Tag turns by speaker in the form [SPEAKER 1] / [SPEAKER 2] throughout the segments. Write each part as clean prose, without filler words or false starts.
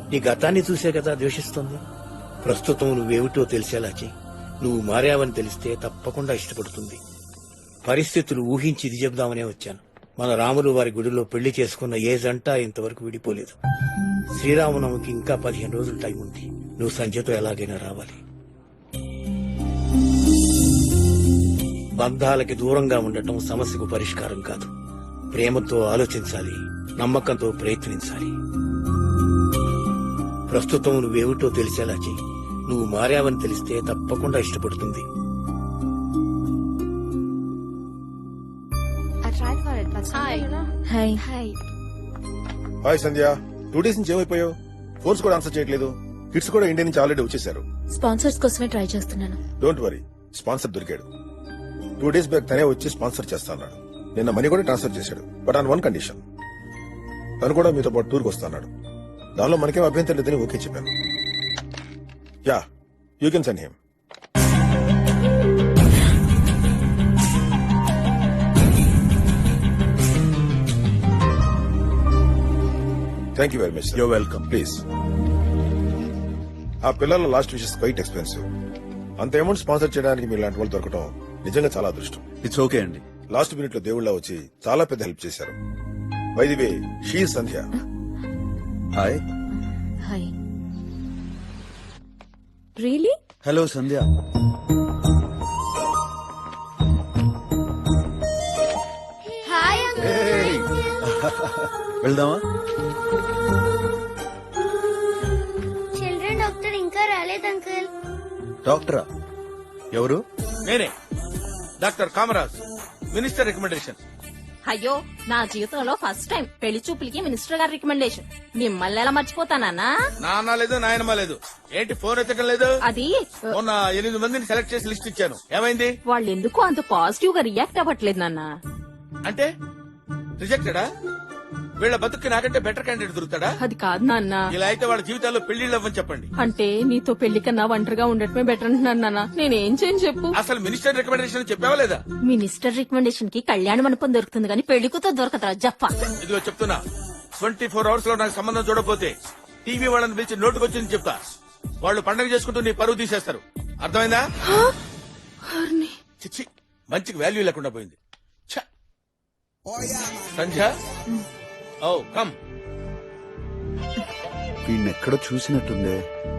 [SPEAKER 1] నీ గతాన్ని చూసే కదా ద్వేషిస్తుంది. ప్రస్తుతం నువ్వేమిటో తెలిసేలా చెయ్యి. నువ్వు మారావని తెలిస్తే తప్పకుండా ఇష్టపడుతుంది. పరిస్థితులు ఊహించి ఇది చెబుదామనే వచ్చాను. మన రాములు వారి గుడిలో పెళ్లి చేసుకున్న ఏ జంట ఇంతవరకు విడిపోలేదు. శ్రీరామనవమికి ఇంకా 15 రోజులు టైం ఉంది. నువ్వు సంధ్యతో ఎలాగైనా రావాలి. బంధాలకి దూరంగా ఉండటం సమస్యకు పరిష్కారం కాదు. ప్రేమతో ఆలోచించాలి, నమ్మకంతో ప్రయత్నించాలి. ప్రస్తుతం నువ్వేమిటో తెలిసేలా చెయ్యి. నువ్వు మారావని తెలిస్తే తప్పకుండా ఇష్టపడుతుంది.
[SPEAKER 2] హాయ్ సంధ్య, 2 days నుంచి ఏమైపోయావు? ఫోన్స్ కూడా ఆన్సర్ చేయట్లేదు. కిడ్స్ కూడా ఇండియా నుంచి ఆల్రెడీ వచ్చేసారు.
[SPEAKER 3] స్పాన్సర్స్ కోసమే ట్రై చేస్తున్నాను.
[SPEAKER 2] డోంట్ వరీ, స్పాన్సర్ దొరికాడు. 2 days బ్యాక్ తనే వచ్చి స్పాన్సర్ చేస్తా అన్నాడు. నిన్న మనీ కూడా ట్రాన్స్ఫర్ చేశాడు. బట్ ఆన్ 1 కండిషన్, తను కూడా మీతో పాటు టూర్కి వస్తాడు. దానిలో మనకేం అభ్యంతరం లేదని ఓకే చెప్పాను. Yeah, you can send him. Thank you very much.
[SPEAKER 4] You're welcome.
[SPEAKER 2] Please. ఆ పిల్లల లాస్ట్ విషెస్ క్వైట్ ఎక్స్పెన్సివ్. అంత అమౌంట్ స్పాన్సర్ చేయడానికి మీ లాంటి వాళ్ళు దొరకడం నిజంగా చాలా అదృష్టం.
[SPEAKER 4] ఇట్స్ ఓకే అండి.
[SPEAKER 2] లాస్ట్ మినిట్ లో దేవుళ్ళ వచ్చి చాలా పెద్ద హెల్ప్ చేశారు. By the way, she is Sandhya.
[SPEAKER 4] Hi.
[SPEAKER 3] Hi. Really?
[SPEAKER 4] Hello Sandhya. వెళ్దామా?
[SPEAKER 5] చిల్డ్రన్ డాక్టర్ ఇంకా రాలేదు అంకుల్.
[SPEAKER 4] డాక్టరా? ఎవరు?
[SPEAKER 6] నేనే, డాక్టర్ కామరాజ్, మినిస్టర్ రికమెండేషన్.
[SPEAKER 7] అయ్యో, నా జీవితంలో ఫస్ట్ టైం పెళ్లి చూపులకి మినిస్టర్ గారి రికమెండేషన్. మిమ్మల్ని ఎలా మర్చిపోతానా?
[SPEAKER 6] నాన్న లేదు, నాయనమ్మ లేదు. ఏంటి ఫోన్ ఎత్తడం లేదు?
[SPEAKER 7] అది
[SPEAKER 6] మొన్న 8 మందిని సెలెక్ట్ చేసి లిస్ట్ ఇచ్చాను. ఏమైంది?
[SPEAKER 7] వాళ్ళు ఎందుకు అంత పాజిటివ్ గా రియాక్ట్ అవ్వట్లేదు నాన్న.
[SPEAKER 6] అంటే రిజెక్టెడా? వీళ్ళ బతుక్కి నాకంటే బెటర్ క్యాండిడేట్ దొరుకుతాడా?
[SPEAKER 7] అది కాదు నాన్న.
[SPEAKER 6] ఇలా అయితే వాళ్ళ జీవితాల్లో పెళ్లిళ్ళు అవ్వని చెప్పండి.
[SPEAKER 7] అంటే నీతో పెళ్లి కన్నా ఒంటరిగా ఉండటమే బెటర్ అంటున్నాను నాన్న. నేనేం చేయను చెప్పు.
[SPEAKER 6] అసలు మినిస్టర్ రికమెండేషన్ చెప్పావా లేదా?
[SPEAKER 7] మినిస్టర్ రికమెండేషన్ కి కళ్యాణ మండపం దొరుకుతుంది కానీ పెళ్లి కూతురు దొరకదా జప్ప.
[SPEAKER 6] ఇదిగో చెప్తున్నా, 24 hours లో నాకు సంబంధం చూడకపోతే టీవీ వాళ్ళని పిలిచి నోటుకొచ్చింది చెప్తా. వాళ్ళు పండగ చేసుకుంటూ నీ పరువు తీసేస్తారు. అర్థమైందా? చిచ్చి, మంచికి వాల్యూ లేకుండా పోయింది. ఛ! Sandhya, oh come.
[SPEAKER 4] వీణ్ణెక్కడో చూసినట్టుందే.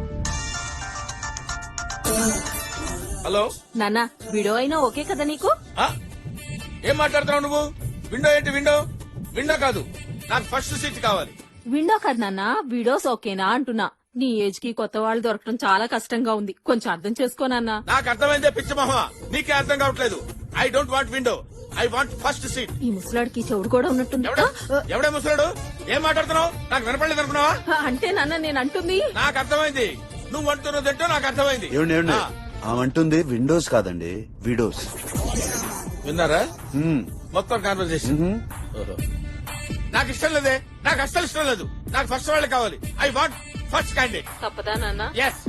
[SPEAKER 6] హలో
[SPEAKER 7] నాన్న, వీడియో అయినా ఓకే కదా నీకు?
[SPEAKER 6] ఆ? ఏం మాట్లాడుతున్నావు నువ్వు? విండో ఏంటి విండో? విండో కాదు, నాకు ఫస్ట్ సీట్ కావాలి.
[SPEAKER 7] విండో కదా నాన్న, వీడియోస్ ఓకేనా అంటున్నా. నీ ఏజ్ కి కొత్త వాళ్ళు దొరకడం చాలా కష్టంగా ఉంది. కొంచెం అర్థం చేసుకోనన్నా.
[SPEAKER 6] నాకు అర్థమైందే పిచ్చి మొహ, నీకే అర్థం కావట్లేదు. I don't want window, I want first seat.
[SPEAKER 7] ఈ ముసలాడికి చెవుడు కూడా ఉన్నట్టుంది.
[SPEAKER 6] ఎవడే ముసలాడు? ఏం మాట్లాడుతున్నావు? నాకు వినపడలేదు అనుకున్నావా?
[SPEAKER 7] అంటే నాన్న నేను అంటుంది.
[SPEAKER 6] నాకు అర్థమైంది, నువ్వు అంటున్నదంటో నాకు అర్థమైంది.
[SPEAKER 4] ఏమండి ఏమండి, ఆమంటుంది విండోస్ కాదండి, విడోస్.
[SPEAKER 6] విన్నారా? మొత్తం కాన్వర్సేషన్. నాకు ఇష్టం లేదే, నాకు అస్సలు ఇష్టం లేదు. నాకు ఫస్ట్ వాళ్ళే కావాలి. I want first candidate.
[SPEAKER 7] తప్పదా నాన్న?
[SPEAKER 6] ఎస్.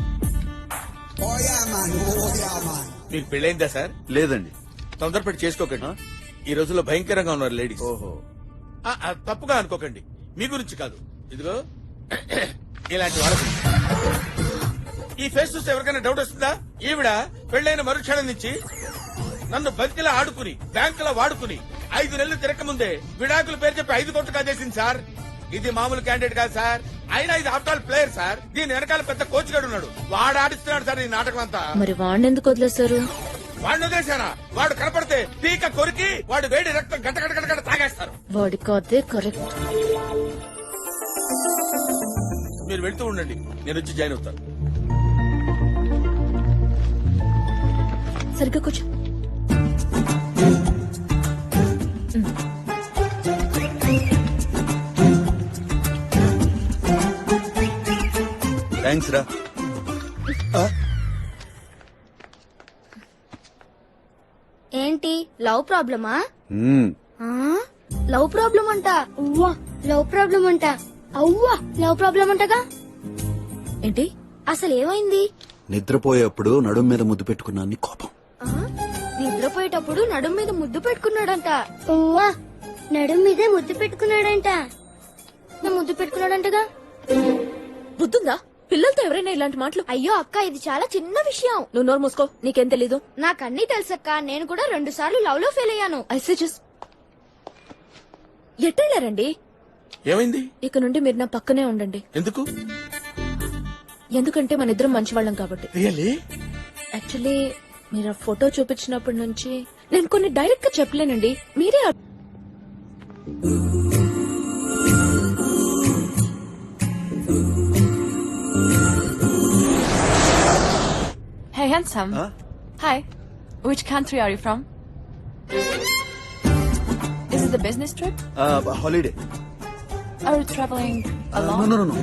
[SPEAKER 6] మీకు పెళ్ళైందా సార్?
[SPEAKER 4] లేదండి.
[SPEAKER 6] తొందరపడి చేసుకోకండి. ఈ రోజుల్లో భయంకరంగా ఉన్నారు లేడీస్.
[SPEAKER 4] ఓహో,
[SPEAKER 6] తప్పుగా అనుకోకండి, మీ గురించి కాదు. ఇదిగో ఇలాంటి వాళ్ళకి ఈ ఫేస్ చూస్తే ఎవరికైనా డౌట్ వస్తుందా? ఈవిడ పెళ్లైన మరుక్షణం నుంచి నన్ను బంతిలా ఆడుకుని బ్యాంకులో వాడుకుని 5 నెలలు తిరక్క ముందే విడాకుల పేరు చెప్పి 5 కోట్లు కాజేసింది సార్. ఇది మామూలు క్యాండిడేట్ కాదు సార్. అయినా ఇది ఆఫ్టర్ ఆల్ ప్లేయర్ సార్. దీని వెనకాల పెద్ద కోచ్ గడు ఉన్నాడు. వాడు ఆడిస్తున్నాడు సార్ ఈ నాటకం అంతా.
[SPEAKER 3] మరి వాడిని ఎందుకు వదిలేశారు?
[SPEAKER 6] వాడిని వదిలేశారా? వాడు కనపడితే పీక కొరికి వాడు వేడి రక్తం గంట గంట గంట గంట తాగేస్తారు.
[SPEAKER 3] వాడి కాదే కరెక్ట్.
[SPEAKER 6] మీరు వెళ్తూ ఉండండి, నేను వచ్చి జాయిన్ అవుతాను.
[SPEAKER 3] సరిగ్గా కూర్చో.
[SPEAKER 4] థ్యాంక్స్ రా.
[SPEAKER 5] ఏంటి లవ్ ప్రాబ్లమా?
[SPEAKER 4] మ్మ్.
[SPEAKER 5] లవ్ ప్రాబ్లం అంట. ఉవ్వా లవ్ ప్రాబ్లం అంట. అవ్వా లవ్ ప్రాబ్లం అంటగా.
[SPEAKER 3] ఏంటి
[SPEAKER 5] అసలు ఏమైంది?
[SPEAKER 4] నిద్రపోయేప్పుడు నడుం మీద ముద్దు పెట్టుకున్నాను కోపం.
[SPEAKER 5] నిద్రపోయేటప్పుడు నడుం మీద ముద్దు పెట్టుకున్నాడంట. ఉవ్వా నడుం మీదే ముద్దు పెట్టుకున్నాడంట. ముద్దు పెట్టుకున్నాడంటగా.
[SPEAKER 3] బుద్ధుందా? పిల్లలతో ఎవరైనా ఇలాంటి మాటలు?
[SPEAKER 5] అయ్యో అక్క, ఇది చాలా చిన్న విషయం.
[SPEAKER 3] నువ్వు నోరు మూసుకో, నీకేం తెలీదు.
[SPEAKER 5] నాకన్నీ తెలుసక్క. నేను కూడా 2 సార్లు లవ్ లో ఫెయిల్ అయ్యాను.
[SPEAKER 3] ఐసే జస్ట్ ఎట్టెళ్ళారండి?
[SPEAKER 6] ఏమైంది?
[SPEAKER 3] ఇక నుండి మీరు నా పక్కనే ఉండండి.
[SPEAKER 6] ఎందుకు?
[SPEAKER 3] ఎందుకంటే మన ఇద్దరం మంచివాళ్ళం కాబట్టి.
[SPEAKER 6] రియల్లీ?
[SPEAKER 3] యాక్చువల్లీ మీరు ఆ ఫోటో చూపించినప్పటి నుంచి నేను కొన్ని డైరెక్ట్ గా చెప్పలేనండి. మీరే
[SPEAKER 8] Hey, handsome.
[SPEAKER 4] Huh?
[SPEAKER 8] Hi. Which country are you from? Is it a business trip?
[SPEAKER 4] Holiday.
[SPEAKER 8] Are you traveling alone?
[SPEAKER 4] No.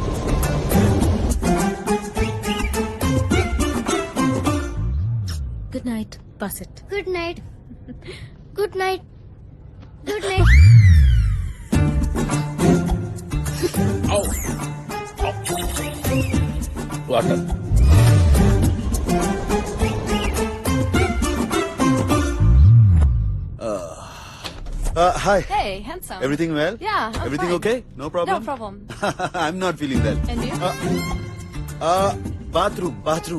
[SPEAKER 3] Good night. Pass it.
[SPEAKER 5] Good night. Good night. Good night.
[SPEAKER 6] Water.
[SPEAKER 4] Hi.
[SPEAKER 8] Hey, handsome.
[SPEAKER 4] Everything well?
[SPEAKER 8] Yeah, I'm
[SPEAKER 4] Everything
[SPEAKER 8] fine.
[SPEAKER 4] okay? No problem?
[SPEAKER 8] No problem.
[SPEAKER 4] I'm not feeling well.
[SPEAKER 8] And you?
[SPEAKER 4] Bathroom.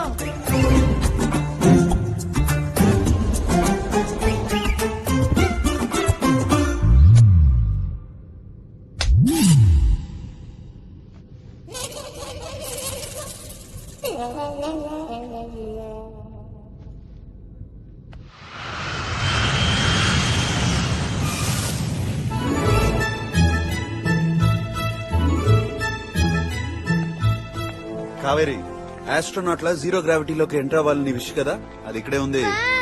[SPEAKER 4] Kaveri, astronaut లా zero గ్రావిటీలోకి enter అవ్వాలని wish కదా, అది ఇక్కడే ఉంది.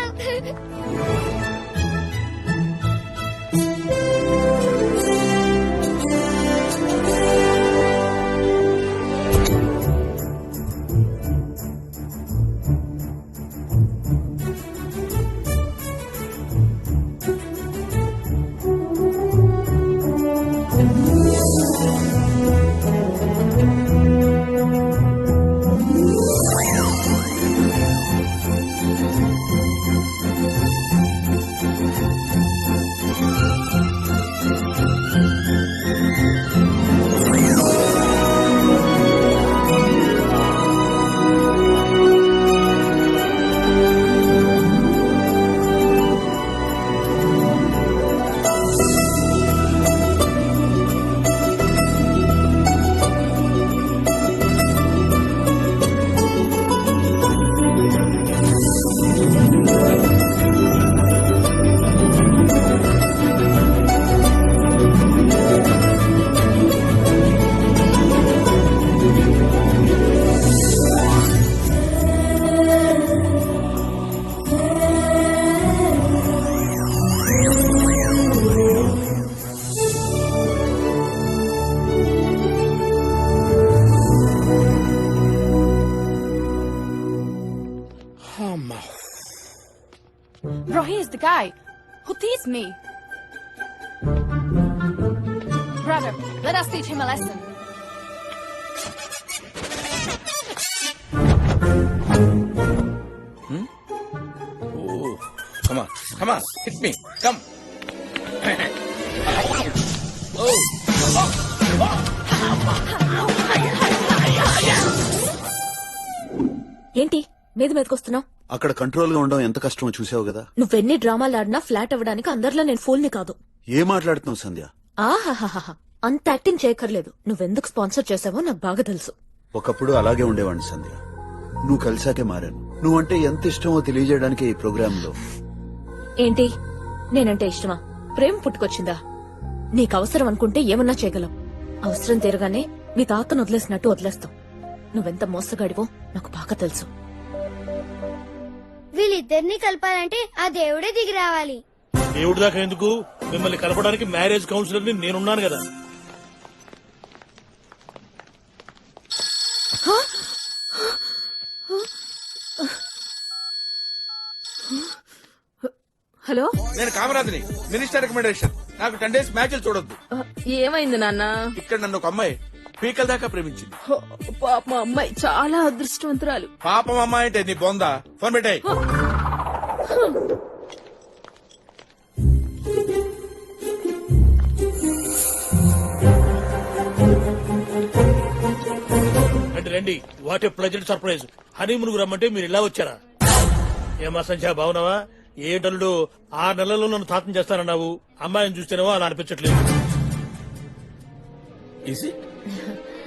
[SPEAKER 8] Bro, he is the guy who teased me. Brother, let us teach him a lesson.
[SPEAKER 6] Oh, come on, hit me, come. Oh.
[SPEAKER 3] ఏంటి మీదకొస్తున్నావు?
[SPEAKER 4] అక్కడ control గా ఉండడం ఎంత కష్టమో చూసావు కదా.
[SPEAKER 3] నువ్వెన్ని డ్రామాలు ఆడినా ఫ్లాట్ అవ్వడానికి అందరిలో నేను ఫూల్ని కాదు.
[SPEAKER 4] ఏం మాట్లాడుతున్నావు సంధ్య?
[SPEAKER 3] ఆహాహాహా, అంత యాక్టింగ్ చేయక్కర్లేదు. నువ్వెందుకు స్పాన్సర్ చేసావో నాకు బాగా తెలుసు.
[SPEAKER 4] ఒకప్పుడు అలాగే ఉండేవాడిని సంధ్య, నువ్వు కలిసాకే మారాను. నువ్వంటే ఎంత ఇష్టమో తెలియజేయడానికి ఈ ప్రోగ్రామ్ లో.
[SPEAKER 3] ఏంటి నేనంటే ఇష్టమా? ప్రేమ పుట్టుకొచ్చిందా? నీకు అవసరం అనుకుంటే ఏమన్నా చేయగలం. అవసరం తీరగానే మీ తాతను వదిలేసినట్టు వదిలేస్తాం. నువ్వెంత మోసగాడివో నాకు బాగా తెలుసు.
[SPEAKER 5] వీళ్ళిద్దరిని కలపాలంటే ఆ దేవుడే దిగి రావాలి.
[SPEAKER 9] దేవుడి దాకా ఎందుకు, మిమ్మల్ని కలపడానికి మ్యారేజ్ కౌన్సిలర్ ని నేనున్నాను కదా.
[SPEAKER 7] హలో,
[SPEAKER 6] నేను కామరాజ్ని, మినిస్టర్ రికమెండేషన్. నాకు 10 days మ్యాచ్లు చూడొద్దు.
[SPEAKER 7] ఏమైంది నాన్న?
[SPEAKER 6] ఇక్కడ నన్ను ఒక అమ్మాయి పీకల దాకా ప్రేమించింది.
[SPEAKER 7] పాప మా అమ్మాయి చాలా అదృష్టవంతురాలు.
[SPEAKER 6] పాపం అమ్మాయి అంటే నీ బొందా. ఫోన్ పెట్టాయి.
[SPEAKER 9] రండి what a pleasant surprise. Honeymoon రమ్మంటే మీరు ఇలా వచ్చారా? ఏమా సంధ్య బావునావా? ఏంటల్లుడు 6 నెలల్లో నన్ను తాతం చేస్తానన్నావు. అమ్మాయిని చూస్తేనేవో అలా అనిపించట్లేదు.
[SPEAKER 6] Is it?